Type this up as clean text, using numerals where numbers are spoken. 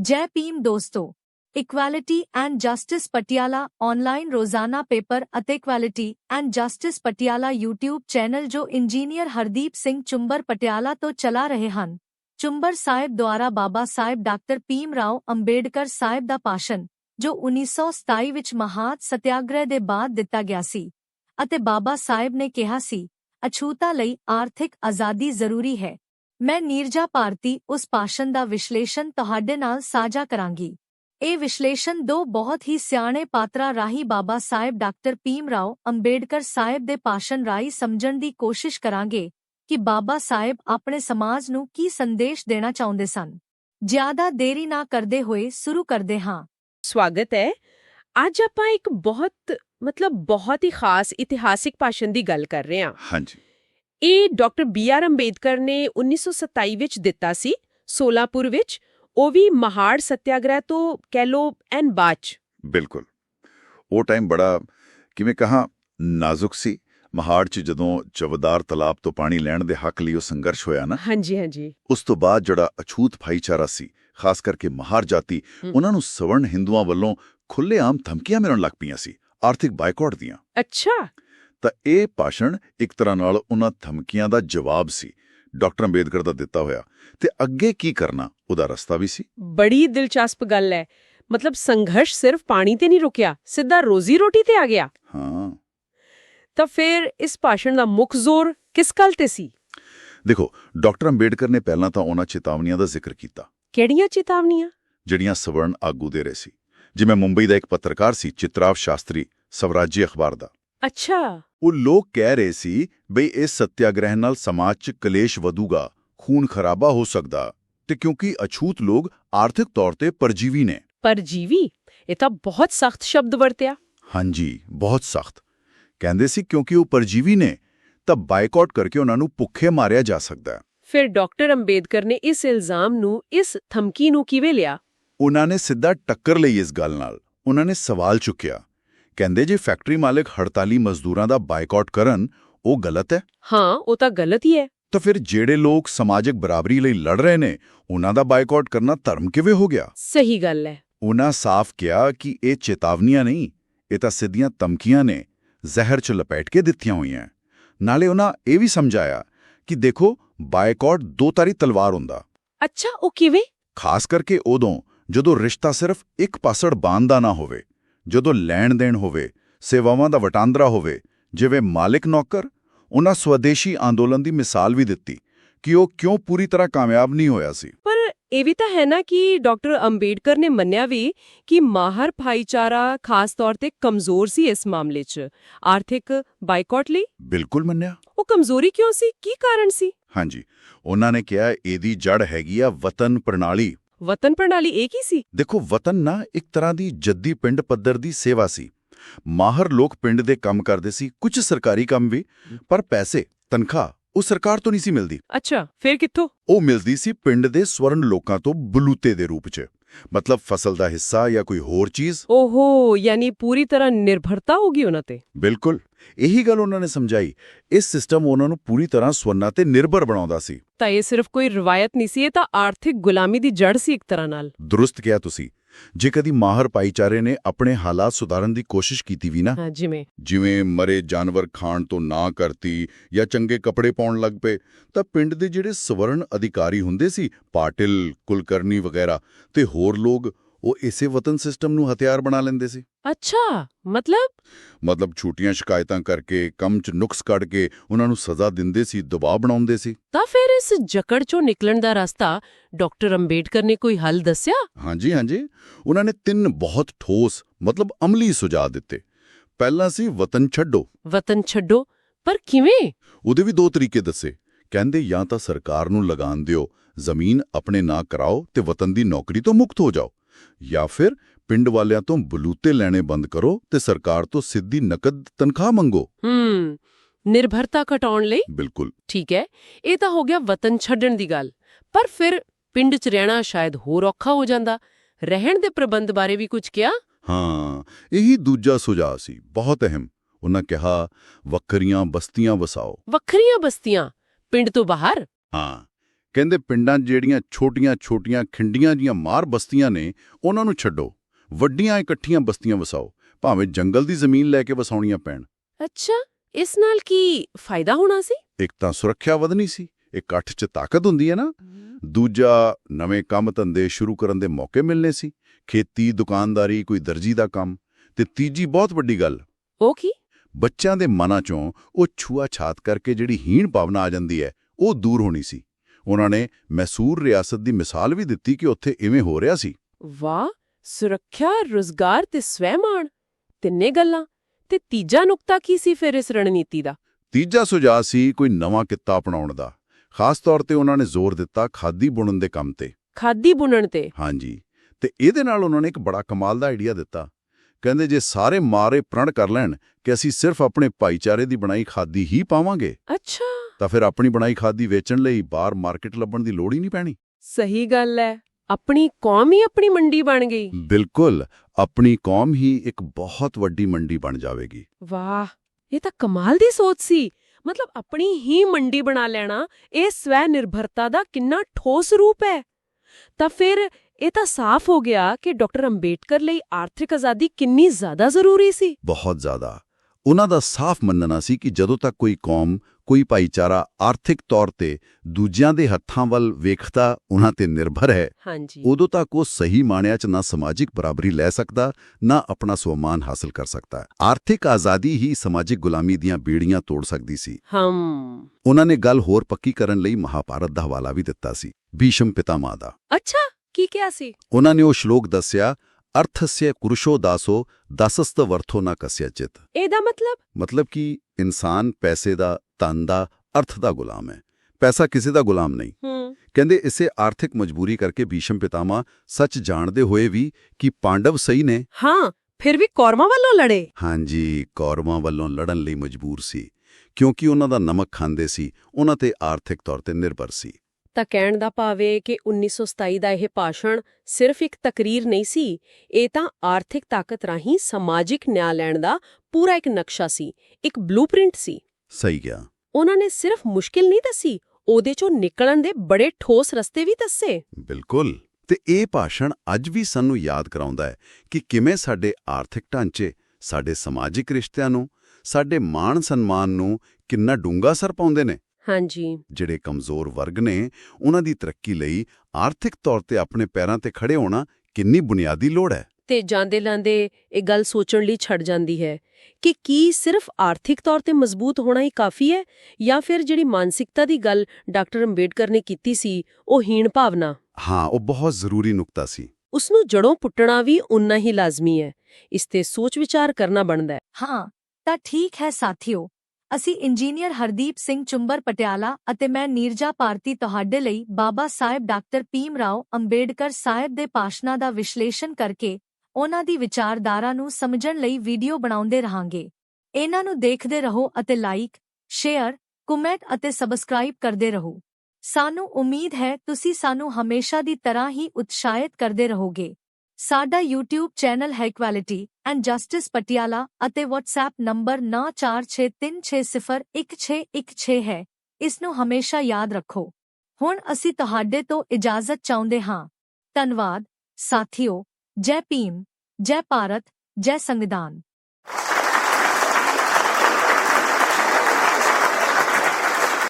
जय भीम दोस्तों। Equality and justice Patiala online रोजाना पेपर ਅਤੇ equality and justice Patiala YouTube channel ਜੋ ਇੰਜੀਨੀਅਰ ਹਰਦੀਪ ਸਿੰਘ ਚੁੰਬਰ ਪਟਿਆਲਾ ਤੋਂ ਚਲਾ ਰਹੇ ਹਨ। ਚੁੰਬਰ ਸਾਹਿਬ ਦੁਆਰਾ ਬਾਬਾ ਸਾਹਿਬ ਡਾਕਟਰ ਭੀਮ ਰਾਓ ਅੰਬੇਡਕਰ ਸਾਹਿਬ ਦਾ ਭਾਸ਼ਣ ਜੋ 1927 ਵਿੱਚ ਮਹਾਤ ਸਤਿਆਗ੍ਰਹਿ ਦੇ ਬਾਅਦ ਦਿੱਤਾ ਗਿਆ ਸੀ ਅਤੇ ਬਾਬਾ ਸਾਹਿਬ ਨੇ ਕਿਹਾ ਸੀ ਅਛੂਤਾ ਲਈ ਆਰਥਿਕ ਆਜ਼ਾਦੀ ਜ਼ਰੂਰੀ ਹੈ। ਮੈਂ ਨੀਰਜਾ ਭਾਰਤੀ ਉਸ ਭਾਸ਼ਣ ਦਾ ਵਿਸ਼ਲੇਸ਼ਣ ਤੁਹਾਡੇ ਨਾਲ ਸਾਂਝਾ ਕਰਾਂਗੀ। ਇਹ ਵਿਸ਼ਲੇਸ਼ਣ ਦੋ ਬਹੁਤ ਹੀ ਸਿਆਣੇ ਪਾਤਰਾਂ ਰਾਹੀਂ ਬਾਬਾ ਸਾਹਿਬ ਡਾਕਟਰ ਭੀਮ ਰਾਓ ਅੰਬੇਡਕਰ ਸਾਹਿਬ ਦੇ ਭਾਸ਼ਣ ਰਾਹੀਂ ਸਮਝਣ ਦੀ ਕੋਸ਼ਿਸ਼ ਕਰਾਂਗੇ ਕਿ ਬਾਬਾ ਸਾਹਿਬ ਆਪਣੇ ਸਮਾਜ ਨੂੰ ਕੀ ਸੰਦੇਸ਼ ਦੇਣਾ ਚਾਹੁੰਦੇ ਸਨ। ਜ਼ਿਆਦਾ ਦੇਰੀ ਨਾ ਕਰਦੇ ਹੋਏ ਸ਼ੁਰੂ ਕਰਦੇ ਹਾਂ। ਸਵਾਗਤ ਹੈ। ਅੱਜ ਆਪਾਂ ਇੱਕ ਬਹੁਤ ਹੀ ਖਾਸ ਇਤਿਹਾਸਿਕ ਭਾਸ਼ਣ ਦੀ ਗੱਲ ਕਰ ਰਹੇ ਹਾਂ। ਹਾਂਜੀ, ਇਹ ਡਾਕਟਰ B.R. ਅੰਬੇਦਕਰ ਨੇ 1927 ਵਿੱਚ ਦਿੱਤਾ ਸੀ, ਸੋਲਾਪੁਰ ਵਿੱਚ, ਉਹ ਵੀ ਮਹਾੜ ਸਤਿਆਗ੍ਰਹਿ ਤੋਂ ਕਹਿ ਲੋ ਐਨ ਬਾਅਦ 'ਚ। ਬਿਲਕੁਲ। ਉਹ ਟਾਈਮ ਬੜਾ ਕਿਵੇਂ ਕਹਾਂ ਨਾਜ਼ੁਕ ਸੀ। ਮਹਾੜ 'ਚ ਜਦੋਂ ਚਵਦਾਰ ਤਲਾਬ ਤੋਂ ਪਾਣੀ ਲੈਣ ਦੇ ਹੱਕ ਲਈ ਉਹ ਸੰਘਰਸ਼ ਹੋਇਆ ਨਾ, ਹਾਂਜੀ। ਉਸ ਤੋਂ ਬਾਅਦ ਜਿਹੜਾ ਅਛੂਤ ਭਾਈਚਾਰਾ ਸੀ, ਖਾਸ ਕਰਕੇ ਮਹਾਰ ਜਾਤੀ, ਉਹਨਾਂ ਨੂੰ ਸਵਰਨ ਹਿੰਦੂਆਂ ਵੱਲੋਂ ਖੁੱਲ੍ਹੇਆਮ ਧਮਕੀਆਂ ਮਿਲਣ ਲੱਗ ਪਈਆਂ ਸੀ, ਆਰਥਿਕ ਬਾਈਕਾਟ ਦੀਆਂ। ਅੱਛਾ। ਤਾਂ ਇਹ ਭਾਸ਼ਣ ਇੱਕ ਤਰ੍ਹਾਂ ਨਾਲ ਉਹਨਾਂ ਧਮਕੀਆਂ ਦਾ ਜਵਾਬ ਸੀ, ਡਾਕਟਰ ਅੰਬੇਦਕਰ ਦਾ ਦਿੱਤਾ ਹੋਇਆ। ਤੇ ਅੱਗੇ ਕੀ ਕਰਨਾ ਉਹਦਾ ਰਸਤਾ ਵੀ ਸੀ। ਬੜੀ ਦਿਲਚਸਪ ਗੱਲ ਹੈ। ਮਤਲਬ ਸੰਘਰਸ਼ ਸਿਰਫ ਪਾਣੀ ਤੇ ਨਹੀਂ ਰੁਕਿਆ, ਸਿੱਧਾ ਰੋਜ਼ੀ ਰੋਟੀ ਤੇ ਆ ਗਿਆ। ਹਾਂ। ਤਾਂ ਫਿਰ ਇਸ ਭਾਸ਼ਣ ਦਾ ਮੁੱਖ ਜ਼ੋਰ ਕਿਸ ਗੱਲ ਤੇ ਸੀ? ਦੇਖੋ, ਡਾਕਟਰ ਅੰਬੇਦਕਰ ਨੇ ਪਹਿਲਾਂ ਤਾਂ ਉਹਨਾਂ ਚੇਤਾਵਨੀਆਂ ਦਾ ਜ਼ਿਕਰ ਕੀਤਾ। ਕਿਹੜੀਆਂ ਚੇਤਾਵਨੀਆਂ? ਜਿਹੜੀਆਂ ਸਵਰਨ ਆਗੂ ਦੇ ਰਹੇ ਸੀ। ਜਿਵੇਂ ਮੁੰਬਈ ਦਾ ਇੱਕ ਪੱਤਰਕਾਰ ਸੀ ਚਿਤਰਾਵ ਸ਼ਾਸਤਰੀ, ਸਵਰਾਜੀ ਅਖਬਾਰ ਦਾ। ਅੱਛਾ। ਉਹ ਲੋਕ ਕਹਿ ਰਹੇ ਸੀ ਬਈ ਇਸ ਸੱਤਿਆਗ੍ਰਹਿ ਨਾਲ ਸਮਾਜ 'ਚ ਕਲੇਸ਼ ਵਧੂਗਾ, ਖੂਨ ਖਰਾਬਾ ਹੋ ਸਕਦਾ, ਤੇ ਕਿਉਂਕਿ ਅਛੂਤ ਲੋਕ ਆਰਥਿਕ ਤੌਰ ਤੇ ਪਰਜੀਵੀ ਨੇ। ਪਰਜੀਵੀ? ਇਹ ਤਾਂ ਬਹੁਤ ਸਖਤ ਸ਼ਬਦ ਵਰਤਿਆ। ਹਾਂਜੀ, ਬਹੁਤ ਸਖਤ। ਕਹਿੰਦੇ ਸੀ ਕਿਉਂਕਿ ਉਹ ਪਰਜੀਵੀ ਨੇ ਤਾਂ ਬਾਈਕਾਟ ਕਰਕੇ ਉਹਨਾਂ ਨੂੰ ਭੁੱਖੇ ਮਾਰਿਆ ਜਾ ਸਕਦਾ। ਫਿਰ ਡਾਕਟਰ ਅੰਬੇਦਕਰ ਨੇ ਇਸ ਇਲਜ਼ਾਮ ਨੂੰ, ਇਸ ਧਮਕੀ ਨੂੰ ਕਿਵੇਂ ਲਿਆ? ਉਹਨਾਂ ਨੇ ਸਿੱਧਾ ਟੱਕਰ ਲਈ ਇਸ ਗੱਲ ਨਾਲ। ਉਹਨਾਂ ਨੇ ਸਵਾਲ ਚੁੱਕਿਆ। ਕਹਿੰਦੇ ਜੇ ਫੈਕਟਰੀ ਮਾਲਕ ਹੜਤਾਲੀ ਮਜ਼ਦੂਰਾਂ ਦਾ ਬਾਈਕਾਟ ਕਰਨ, ਉਹ ਗਲਤ ਹੈ। ਹਾਂ, ਉਹ ਤਾਂ ਗਲਤ ਹੀ ਹੈ। ਤਾਂ ਫਿਰ ਜਿਹੜੇ ਲੋਕ ਸਮਾਜਿਕ ਬਰਾਬਰੀ ਲਈ ਲੜ ਰਹੇ ਨੇ, ਉਹਨਾਂ ਦਾ ਬਾਈਕਾਟ ਕਰਨਾ ਧਰਮ ਕਿਵੇਂ ਹੋ ਗਿਆ? ਸਹੀ ਗੱਲ ਹੈ। ਉਹਨਾਂ ਸਾਫ਼ ਕਿਹਾ ਕਿ ਇਹ ਚੇਤਾਵਨੀਆਂ ਨਹੀਂ, ਇਹ ਤਾਂ ਸਿੱਧੀਆਂ ਧਮਕੀਆਂ ਨੇ, ਜ਼ਹਿਰ 'ਚ ਲਪੇਟ ਕੇ ਦਿੱਤੀਆਂ ਹੋਈਆਂ। ਨਾਲੇ ਉਹਨਾਂ ਇਹ ਵੀ ਸਮਝਾਇਆ ਕਿ ਦੇਖੋ, ਬਾਈਕਾਟ ਦੋ ਤਾਰੀ ਤਲਵਾਰ ਹੁੰਦਾ। ਅੱਛਾ, ਉਹ ਕਿਵੇਂ? ਖਾਸ ਕਰਕੇ ਉਦੋਂ ਜਦੋਂ ਰਿਸ਼ਤਾ ਸਿਰਫ ਇੱਕ ਪਾਸੜ ਬਾਂਧ ਦਾ ਨਾ ਹੋਵੇ, ਜਦੋਂ ਲੈਣ-ਦੇਣ ਹੋਵੇ, ਸੇਵਾਵਾਂ ਦਾ ਵਟਾਂਦਰਾ ਹੋਵੇ, ਜਿਵੇਂ ਮਾਲਿਕ ਨੌਕਰ। ਉਹਨਾਂ ਸਵਦੇਸ਼ੀ ਅੰਦੋਲਨ ਦੀ ਮਿਸਾਲ ਵੀ ਦਿੱਤੀ ਕਿ ਉਹ ਕਿਉਂ ਪੂਰੀ ਤਰ੍ਹਾਂ ਕਾਮਯਾਬ ਨਹੀਂ ਹੋਇਆ ਸੀ। ਪਰ ਇਹ ਵੀ ਤਾਂ ਹੈ ਨਾ ਕਿ ਡਾਕਟਰ ਅੰਬੇਡਕਰ ਨੇ ਮੰਨਿਆ ਵੀ ਕਿ ਮਾਹਰ ਭਾਈਚਾਰਾ ਖਾਸ ਤੌਰ ਤੇ ਕਮਜ਼ੋਰ ਸੀ ਇਸ ਮਾਮਲੇ 'ਚ, ਆਰਥਿਕ ਬਾਈਕਾਟ ਲਈ। ਬਿਲਕੁਲ ਮੰਨਿਆ। ਉਹ ਕਮਜ਼ੋਰੀ ਕਿਉਂ ਸੀ? ਕੀ ਕਾਰਨ ਸੀ? ਹਾਂਜੀ, ਉਹਨਾਂ ਨੇ ਕਿਹਾ ਇਹਦੀ ਜੜ ਹੈਗੀ ਆ ਵਤਨ ਪ੍ਰਣਾਲੀ। ਵਤਨ ਪ੍ਰਣਾਲੀ ਇਹ ਕੀ ਸੀ? ਦੇਖੋ, ਵਤਨ ਨਾ ਇੱਕ ਤਰ੍ਹਾਂ ਦੀ ਜੱਦੀ ਪਿੰਡ ਪੱਧਰ ਦੀ ਸੇਵਾ ਸੀ। ਮਾਹਰ ਲੋਕ ਪਿੰਡ ਦੇ ਕੰਮ ਕਰਦੇ ਸੀ, ਕੁਝ ਸਰਕਾਰੀ ਕੰਮ ਵੀ, ਪਰ ਪੈਸੇ, ਤਨਖਾਹ ਉਹ ਸਰਕਾਰ ਤੋਂ ਨਹੀਂ ਸੀ ਮਿਲਦੀ। ਅੱਛਾ, ਫਿਰ ਕਿੱਥੋਂ? ਉਹ ਮਿਲਦੀ ਸੀ ਪਿੰਡ ਦੇ ਸਵਰਨ ਲੋਕਾਂ ਤੋਂ ਬਲੂਤੇ ਦੇ ਰੂਪ 'ਚ, ਮਤਲਬ ਫਸਲ ਦਾ ਹਿੱਸਾ ਜਾਂ ਕੋਈ ਹੋਰ ਚੀਜ਼। ਓਹੋ, ਯਾਨੀ ਪੂਰੀ ਤਰ੍ਹਾਂ ਨਿਰਭਰਤਾ ਹੋਗੀ ਉਹਨਾਂ ਤੇ। ਬਿਲਕੁਲ, ਇਹੀ ਗੱਲ ਉਹਨਾਂ ਨੇ ਸਮਝਾਈ। ਇਸ ਸਿਸਟਮ ਉਹਨਾਂ ਨੂੰ ਪੂਰੀ ਤਰ੍ਹਾਂ ਸਵਰਨਾਂ ਤੇ ਨਿਰਭਰ ਬਣਾਉਂਦਾ ਸੀ। ਤਾਂ ਇਹ ਸਿਰਫ ਕੋਈ ਰਵਾਇਤ ਨਹੀਂ ਸੀ, ਇਹ ਤਾਂ ਆਰਥਿਕ ਗੁਲਾਮੀ ਦੀ ਜੜ ਸੀ ਇੱਕ ਤਰ੍ਹਾਂ ਨਾਲ। ਦਰੁਸਤ ਕਿਹਾ ਤੁਸੀਂ। ਜੇ ਕਦੀ ਮਾਹਰ ਭਾਈਚਾਰੇ ਨੇ ਆਪਣੇ ਹਾਲਾਤ ਸੁਧਾਰਨ ਦੀ ਕੋਸ਼ਿਸ਼ ਕੀਤੀ ਵੀ ਨਾ, ਜਿਵੇਂ ਮਰੇ ਜਾਨਵਰ ਖਾਣ ਤੋਂ ਨਾ ਕਰਤੀ ਜਾਂ ਚੰਗੇ ਕੱਪੜੇ ਪਾਉਣ ਲੱਗ ਪਏ, ਤਾਂ ਪਿੰਡ ਦੇ ਜਿਹੜੇ ਸਵਰਨ ਅਧਿਕਾਰੀ ਹੁੰਦੇ ਸੀ, ਪਾਟਿਲ, ਕੁਲਕਰਨੀ ਵਗੈਰਾ, ਤੇ ਹੋਰ ਲੋਕ, ਉਹ ਇਸੇ ਵਤਨ ਸਿਸਟਮ ਨੂੰ ਹਥਿਆਰ ਬਣਾ ਲੈਂਦੇ ਸੀ। ਅੱਛਾ, ਮਤਲਬ ਛੋਟੀਆਂ ਸ਼ਿਕਾਇਤਾਂ ਕਰਕੇ, ਕੰਮ 'ਚ ਨੁਕਸ ਕੱਢ ਕੇ ਉਹਨਾਂ ਨੂੰ ਸਜ਼ਾ ਦਿੰਦੇ ਸੀ, ਦਬਾਅ ਬਣਾਉਂਦੇ ਸੀ। ਤਾਂ ਫਿਰ ਇਸ ਜਕੜ 'ਚੋਂ ਨਿਕਲਣ ਦਾ ਰਸਤਾ ਡਾਕਟਰ ਅੰਬੇਡਕਰ ਨੇ ਕੋਈ ਹੱਲ ਦੱਸਿਆ? ਹਾਂਜੀ। ਉਹਨਾਂ ਨੇ 3 ਬਹੁਤ ਠੋਸ, ਅਮਲੀ ਸੁਝਾਅ ਦਿੱਤੇ। ਪਹਿਲਾ ਸੀ ਵਤਨ ਛੱਡੋ। ਵਤਨ ਛੱਡੋ? ਪਰ ਕਿਵੇਂ? ਉਹਦੇ ਵੀ 2 ਤਰੀਕੇ ਦੱਸੇ। ਕਹਿੰਦੇ ਜਾਂ ਤਾਂ ਸਰਕਾਰ ਨੂੰ ਲਗਾਨ ਦਿਓ, ਜ਼ਮੀਨ ਆਪਣੇ ਨਾਂ ਕਰਾਓ ਤੇ ਵਤਨ ਦੀ ਨੌਕਰੀ ਤੋਂ ਮੁਕਤ ਹੋ ਜਾਓ, ਜਾਂ ਫਿਰ ਪਿੰਡ ਵਾਲਿਆਂ ਤੋਂ ਬਲੂਤੇ ਲੈਣੇ ਬੰਦ ਕਰੋ ਤੇ ਸਰਕਾਰ ਤੋਂ ਸਿੱਧੀ ਨਕਦ ਤਨਖਾਹ ਮੰਗੋ। ਨਿਰਭਰਤਾ ਘਟਾਉਣ ਲਈ। ਬਿਲਕੁਲ ਠੀਕ ਹੈ, ਇਹ ਤਾਂ ਹੋ ਗਿਆ ਵਤਨ ਛੱਡਣ ਦੀ ਗੱਲ। ਪਰ ਫਿਰ ਪਿੰਡ 'ਚ ਰਹਿਣਾ ਸ਼ਾਇਦ ਹੋਰ ਔਖਾ ਹੋ ਜਾਂਦਾ। ਰਹਿਣ ਦੇ ਪ੍ਰਬੰਧ ਬਾਰੇ ਵੀ ਕੁਝ ਕਿਹਾ? ਹਾਂ, ਇਹੀ ਦੂਜਾ ਸੁਝਾਅ ਸੀ, ਬਹੁਤ ਅਹਿਮ। ਉਹਨਾਂ ਕਿਹਾ ਵੱਖਰੀਆਂ ਬਸਤੀਆਂ ਵਸਾਓ। ਵੱਖਰੀਆਂ ਬਸਤੀਆਂ? ਪਿੰਡ ਤੋਂ ਬਾਹਰ? ਹਾਂ, ਕਹਿੰਦੇ ਪਿੰਡਾਂ 'ਚ ਜਿਹੜੀਆਂ ਛੋਟੀਆਂ-ਛੋਟੀਆਂ ਖਿੰਡੀਆਂ ਜੀਆਂ ਮਾਰ ਬਸਤੀਆਂ ਨੇ ਉਹਨਾਂ ਨੂੰ ਛੱਡੋ, ਵੱਡੀਆਂ ਇਕੱਠੀਆਂ ਬਸਤੀਆਂ ਵਸਾਓ, ਭਾਵੇਂ ਜੰਗਲ ਦੀ ਜ਼ਮੀਨ ਲੈ ਕੇ ਵਸਾਉਣੀਆਂ ਪੈਣ। ਅੱਛਾ, ਇਸ ਨਾਲ ਕੀ ਫਾਇਦਾ ਹੋਣਾ ਸੀ? ਇੱਕ ਤਾਂ ਸੁਰੱਖਿਆ ਵਧਣੀ ਸੀ, ਇਕੱਠ 'ਚ ਤਾਕਤ ਹੁੰਦੀ ਹੈ ਨਾ। ਦੂਜਾ, ਨਵੇਂ ਕੰਮ ਧੰਦੇ ਸ਼ੁਰੂ ਕਰਨ ਦੇ ਮੌਕੇ ਮਿਲਨੇ ਸੀ, ਖੇਤੀ, ਦੁਕਾਨਦਾਰੀ, ਕੋਈ ਦਰਜੀ ਦਾ ਕੰਮ। ਤੇ ਤੀਜੀ ਬਹੁਤ ਵੱਡੀ ਗੱਲ, ਉਹ ਕੀ? ਬੱਚਿਆਂ ਦੇ ਮਨਾਂ 'ਚੋਂ ਉਹ ਛੂਆ-ਛਾਤ ਕਰਕੇ ਜਿਹੜੀ ਹੀਣ ਭਾਵਨਾ ਆ ਜਾਂਦੀ ਹੈ, ਉਹ ਦੂਰ ਹੋਣੀ ਸੀ। ਉਹਨਾਂ ਨੇ ਮੈਸੂਰ ਰਿਆਸਤ ਦੀ ਮਿਸਾਲ ਵੀ ਦਿੱਤੀ ਕਿ ਉੱਥੇ ਇਵੇਂ ਹੋ ਰਿਹਾ ਸੀ। ਵਾਹ, ਸੁਰੱਖਿਆ, ਰੁਜ਼ਗਾਰ ਤੇ ਸਵੈਮਾਣ, ਤਿੰਨੇ ਗੱਲਾਂ। ਤੇ ਤੀਜਾ ਨੁਕਤਾ ਕੀ ਸੀ ਫਿਰ ਇਸ ਰਣਨੀਤੀ ਦਾ? ਤੀਜਾ ਸੁਝਾਅ ਸੀ ਕੋਈ ਨਵਾਂ ਕਿੱਤਾ ਅਪਣਾਉਣ ਦਾ। ਖਾਸ ਤੌਰ ਤੇ ਉਹਨਾਂ ਨੇ ਜ਼ੋਰ ਦਿੱਤਾ ਖਾਦੀ ਬੁਣਨ ਦੇ ਕੰਮ ਤੇ। ਖਾਦੀ ਬੁਣਨ ਤੇ? ਹਾਂਜੀ, ਤੇ ਇਹਦੇ ਨਾਲ ਉਹਨਾਂ ਨੇ ਇੱਕ ਬੜਾ ਕਮਾਲ ਦਾ ਆਈਡੀਆ ਦਿੱਤਾ। ਕਹਿੰਦੇ ਜੇ ਸਾਰੇ ਮਾਰੇ ਪ੍ਰਣ ਕਰ ਲੈਣ ਕਿ ਅਸੀਂ ਸਿਰਫ ਆਪਣੇ ਭਾਈਚਾਰੇ ਦੀ ਬਣਾਈ ਖਾਦੀ ਹੀ ਪਾਵਾਂਗੇ, ਅੱਛਾ, ਤਾਂ ਫਿਰ ਆਪਣੀ ਬਣਾਈ ਖਾਦੀ ਵੇਚਣ ਲਈ ਬਾਹਰ ਮਾਰਕੀਟ ਲੱਭਣ ਦੀ ਲੋੜ ਹੀ ਨਹੀਂ ਪੈਣੀ। ਸਹੀ ਗੱਲ ਹੈ, ਆਪਣੀ ਕੌਮ ਹੀ ਆਪਣੀ ਮੰਡੀ ਬਣ ਗਈ। ਬਿਲਕੁਲ, ਆਪਣੀ ਕੌਮ ਹੀ ਇੱਕ ਬਹੁਤ ਵੱਡੀ ਮੰਡੀ ਬਣ ਜਾਵੇਗੀ। ਵਾਹ, ਇਹ ਤਾਂ ਕਮਾਲ ਦੀ ਸੋਚ ਸੀ। ਮਤਲਬ ਆਪਣੀ ਹੀ ਮੰਡੀ ਬਣਾ ਲੈਣਾ, ਇਹ ਸਵੈ ਨਿਰਭਰਤਾ ਦਾ ਕਿੰਨਾ ਠੋਸ ਰੂਪ ਹੈ। ਤਾਂ ਫਿਰ ਇਹ ਤਾਂ ਸਾਫ਼ ਹੋ ਗਿਆ ਕਿ ਡਾਕਟਰ ਅੰਬੇਡਕਰ ਲਈ ਆਰਥਿਕ ਆਜ਼ਾਦੀ ਕਿੰਨੀ ਜ਼ਿਆਦਾ ਜ਼ਰੂਰੀ ਸੀ। ਬਹੁਤ ਜ਼ਿਆਦਾ। ਉਹਨਾਂ ਦਾ ਸਾਫ਼ ਮੰਨਣਾ ਸੀ ਕਿ ਜਦੋਂ ਤੱਕ ਕੋਈ ਕੌਮ, ਕੋਈ ਭਾਈਚਾਰਾ ਆਰਥਿਕ ਤੌਰ ਤੇ ਦੂਜਿਆਂ ਦੇ ਹੱਥਾਂ ਵੱਲ ਵੇਖਦਾ, ਉਹਨਾਂ ਤੇ ਨਿਰਭਰ ਹੈ, ਹਾਂਜੀ, ਉਦੋਂ ਤੱਕ ਉਹ ਸਹੀ ਮਾਣਿਆਂ 'ਚ ਨਾ ਸਮਾਜਿਕ ਬਰਾਬਰੀ ਲੈ ਸਕਦਾ, ਨਾ ਆਪਣਾ ਸਵਮਾਨ ਹਾਸਲ ਕਰ ਸਕਦਾ। ਆਰਥਿਕ ਆਜ਼ਾਦੀ ਹੀ ਸਮਾਜਿਕ ਗੁਲਾਮੀ ਦੀਆਂ ਬੀੜੀਆਂ ਤੋੜ ਸਕਦੀ ਸੀ। ਉਹਨਾਂ ਨੇ ਗੱਲ ਹੋਰ ਪੱਕੀ ਕਰਨ ਲਈ ਮਹਾਭਾਰਤ ਦਾ ਹਵਾਲਾ ਵੀ ਦਿੱਤਾ ਸੀ, ਭੀਸ਼ਮ ਪਿਤਾਮਾ ਦਾ। ਅੱਛਾ, ਕੀ ਕਿਹਾ ਸੀ? ਉਹਨਾਂ ਨੇ ਉਹ ਸ਼ਲੋਕ ਦੱਸਿਆ, ਅਰਥस्य ਕੁਰਸ਼ੋ ਦਾਸੋ ਦਸਸਤ ਵਰਥੋ ਨਾ ਕਸਿਆਚਿਤ। ਇਹਦਾ ਮਤਲਬ ਕਿ ਇਨਸਾਨ ਪੈਸੇ ਦਾ, ਧਨ ਦਾ, ਅਰਥ ਦਾ ਗੁਲਾਮ ਹੈ, ਪੈਸਾ ਕਿਸੇ ਦਾ ਗੁਲਾਮ ਨਹੀਂ। ਕਹਿੰਦੇ ਇਸੇ ਆਰਥਿਕ ਮਜਬੂਰੀ ਕਰਕੇ ਭੀਸ਼ਮ ਪਿਤਾਮਾ ਸੱਚ ਜਾਣਦੇ ਹੋਏ ਵੀ ਕਿ ਪਾਂਡਵ ਸਹੀ ਨੇ, ਹਾਂ, ਫਿਰ ਵੀ ਕੌਰਵਾਂ ਵੱਲੋਂ ਲੜੇ। ਹਾਂਜੀ, ਕੌਰਵਾਂ ਵੱਲੋਂ ਲੜਨ ਲਈ ਮਜਬੂਰ ਸੀ, ਕਿਉਂਕਿ ਉਹਨਾਂ ਦਾ ਨਮਕ ਖਾਂਦੇ ਸੀ, ਉਹਨਾਂ ਤੇ ਆਰਥਿਕ ਤੌਰ ਤੇ ਨਿਰਭਰ ਸੀ। ਤਾਂ ਕਹਿਣ ਦਾ ਭਾਵ ਹੈ ਕਿ 1927 ਦਾ ਇਹ ਭਾਸ਼ਣ ਸਿਰਫ ਇੱਕ ਤਕਰੀਰ ਨਹੀਂ ਸੀ, ਇਹ ਤਾਂ ਆਰਥਿਕ ਤਾਕਤ ਰਾਹੀਂ ਸਮਾਜਿਕ ਨਿਆਂ ਲੈਣ ਦਾ ਪੂਰਾ ਇੱਕ ਨਕਸ਼ਾ ਸੀ, ਇੱਕ ਬਲੂਪ੍ਰਿੰਟ ਸੀ। ਸਹੀ ਗਿਆ। ਉਹਨਾਂ ਨੇ ਸਿਰਫ ਮੁਸ਼ਕਿਲ ਨਹੀਂ ਦੱਸੀ, ਉਹਦੇ ਚੋਂ ਨਿਕਲਣ ਦੇ ਬੜੇ ਠੋਸ ਰਸਤੇ ਵੀ ਦੱਸੇ। ਬਿਲਕੁਲ। ਤੇ ਇਹ ਭਾਸ਼ਣ ਅੱਜ ਵੀ ਸਾਨੂੰ ਯਾਦ ਕਰਾਉਂਦਾ ਹੈ ਕਿ ਕਿਵੇਂ ਸਾਡੇ ਆਰਥਿਕ ਢਾਂਚੇ, ਸਾਡੇ ਸਮਾਜਿਕ ਰਿਸ਼ਤਿਆਂ ਨੂੰ, ਸਾਡੇ ਮਾਣ ਸਨਮਾਨ ਨੂੰ ਕਿੰਨਾ ਡੂੰਘਾ ਅਸਰ ਪਾਉਂਦੇ ਨੇ। ਹਾਂਜੀ, ਜਿਹੜੇ ਕਮਜ਼ੋਰ ਵਰਗ ਨੇ, ਉਹਨਾਂ ਦੀ ਤਰੱਕੀ ਲਈ ਆਰਥਿਕ ਤੌਰ ਤੇ ਆਪਣੇ ਪੈਰਾਂ ਤੇ ਖੜੇ ਹੋਣਾ ਕਿੰਨੀ ਬੁਨਿਆਦੀ ਲੋੜ ਹੈ। ਤੇ ਜਾਂਦੇ ਲਾਂਦੇ ਇਹ ਗੱਲ ਸੋਚਣ ਲਈ ਛੱਡ ਜਾਂਦੀ ਹੈ ਕਿ ਕੀ ਸਿਰਫ ਆਰਥਿਕ ਤੌਰ ਤੇ ਮਜ਼ਬੂਤ ਹੋਣਾ ਹੀ ਕਾਫੀ ਹੈ, ਜਾਂ ਫਿਰ ਜਿਹੜੀ ਮਾਨਸਿਕਤਾ ਦੀ ਗੱਲ ਡਾਕਟਰ ਅੰਬੇਡਕਰ ਨੇ ਕੀਤੀ ਸੀ, ਉਹ ਹੀਣ ਭਾਵਨਾ। ਹਾਂ, ਉਹ ਬਹੁਤ ਜ਼ਰੂਰੀ ਨੁਕਤਾ ਸੀ। ਉਸ ਨੂੰ ਜੜੋਂ ਪੁੱਟਣਾ ਵੀ ਉਨਾ ਹੀ ਲਾਜ਼ਮੀ ਹੈ। ਇਸ ਤੇ ਸੋਚ ਵਿਚਾਰ ਕਰਨਾ ਬਣਦਾ ਹੈ। ਹਾਂ, ਤਾਂ ਠੀਕ ਹੈ ਸਾਥੀਓ, ਅਸੀਂ ਇੰਜੀਨੀਅਰ ਹਰਦੀਪ ਸਿੰਘ ਚੁੰਬਰ ਪਟਿਆਲਾ ਅਤੇ ਮੈਂ ਨੀਰਜਾ ਭਾਰਤੀ ਤੁਹਾਡੇ ਲਈ ਬਾਬਾ ਸਾਹਿਬ ਡਾਕਟਰ ਭੀਮ ਰਾਓ ਅੰਬੇਡਕਰ ਸਾਹਿਬ ਦੇ ਭਾਸ਼ਣਾਂ ਦਾ ਵਿਸ਼ਲੇਸ਼ਣ ਕਰਕੇ ਉਹਨਾਂ ਦੀ ਵਿਚਾਰਧਾਰਾ ਨੂੰ ਸਮਝਣ ਲਈ ਵੀਡੀਓ ਬਣਾਉਂਦੇ ਰਹਾਂਗੇ। ਇਹਨਾਂ ਨੂੰ ਦੇਖਦੇ ਰਹੋ ਅਤੇ ਲਾਈਕ, ਸ਼ੇਅਰ, ਕਮੈਂਟ ਅਤੇ ਸਬਸਕ੍ਰਾਈਬ ਕਰਦੇ ਰਹੋ। ਸਾਨੂੰ ਉਮੀਦ ਹੈ ਤੁਸੀਂ ਸਾਨੂੰ ਹਮੇਸ਼ਾ ਦੀ ਤਰ੍ਹਾਂ ਹੀ ਉਤਸ਼ਾਹਿਤ ਕਰਦੇ ਰਹੋਗੇ। ਸਾਡਾ YouTube ਚੈਨਲ ਹੈ ਇਕੁਐਲਿਟੀ ਐਂਡ ਜਸਟਿਸ ਪਟਿਆਲਾ ਅਤੇ WhatsApp ਨੰਬਰ 9463601616 ਹੈ। ਇਸ ਨੂੰ ਹਮੇਸ਼ਾ ਯਾਦ ਰੱਖੋ। ਹੁਣ ਅਸੀਂ ਤੁਹਾਡੇ ਤੋਂ ਇਜਾਜ਼ਤ ਚਾਹੁੰਦੇ ਹਾਂ। ਧੰਨਵਾਦ ਸਾਥੀਓ। ਜੈ ਭੀਮ, ਜੈ ਭਾਰਤ, ਜੈ ਸੰਵਿਧਾਨ।